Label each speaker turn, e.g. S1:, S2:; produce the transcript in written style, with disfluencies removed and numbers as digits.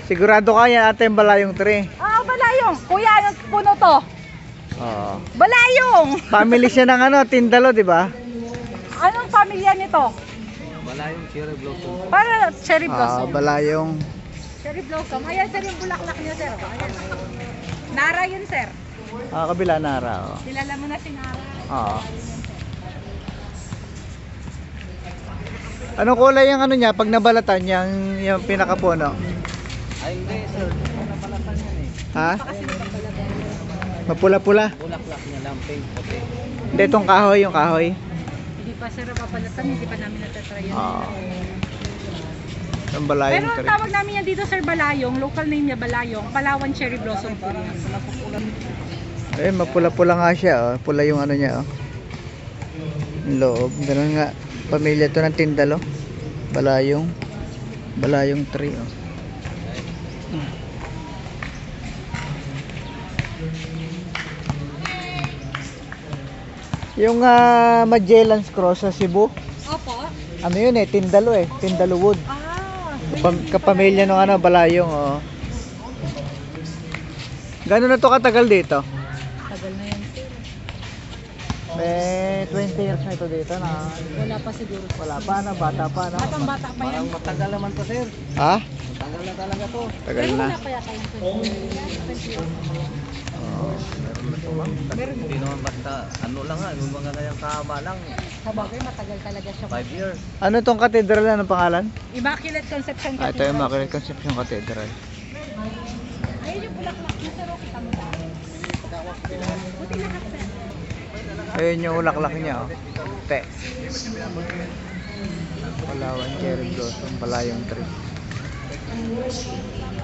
S1: Sigurado ka yan ate yung balayong tree.
S2: Ah, balayong. Kuya, anong puno to?
S1: Oo.
S2: Balayong.
S1: Family siya ng ano, tindalo, di ba?
S2: Anong pamilya nito?
S3: Balayong cherry blossom.
S2: Para cherry
S1: Ah,
S2: blossom.
S1: balayong.
S2: Cherry blossom. Ayan sir yung bulaklak niya sir. Ayan. Nara yun sir.
S1: Ah, kabila nara. Oh.
S2: Kilala mo na si Nara.
S1: Oo. Anong kulay yung ano niya pag nabalatan yung pinakapuno?
S3: Ay hindi sir, hindi mo napalatan yan eh.
S1: Ha? Mapula-pula.
S3: Bulaklak niya lang, pink, puti.
S1: Hindi itong kahoy, yung kahoy.
S2: Hindi pa sir papalatan, hindi pa namin natatry yan.
S1: Oo. Yung
S2: Pero
S1: balayong
S2: ang
S1: tree.
S2: tawag namin yan dito sir Balayong, local name niya Balayong, Palawan cherry blossom po yan.
S1: Eh, mapula-pula nga siya. Oh. Pula yung ano niya. Oh. Yung loob. Ganun nga. Pamilya to ng tindalo. Balayong. Balayong tree. Oh. Yung Magellan's Cross sa Cebu.
S2: Opo.
S1: Ano yun eh? Tindalo eh. Tindalo wood.
S2: Ah,
S1: Kapamilya ng ano, balayong. Oh. Gano'n na to katagal dito?
S2: tagal na yan sir.
S1: May 20 years na ito dito na.
S2: Wala pa siguro.
S1: Wala pa na, bata pa na.
S2: Batang bata pa yan.
S3: Parang matagal naman to sir.
S1: Ha?
S3: Matagal na talaga to.
S1: Tagal
S2: Pero
S1: na.
S2: wala pa yata yung 20 years.
S1: Oh.
S3: Meron na to ma'am. Hindi naman basta ano lang ha, yung mga kanyang tama lang.
S2: Sa bagay, matagal talaga siya.
S3: 5 years.
S1: Ano tong cathedral na ng pangalan?
S2: Immaculate Conception
S1: Ah, ito yung
S2: Cathedral.
S1: Immaculate Conception Cathedral.
S2: Ayun yung bulaklak niya sir, kita mo ba? Buti lahat sir.
S1: Ayun yung ulaklak niya. Oh. Te. Palawan cherry blossom, palayong tree.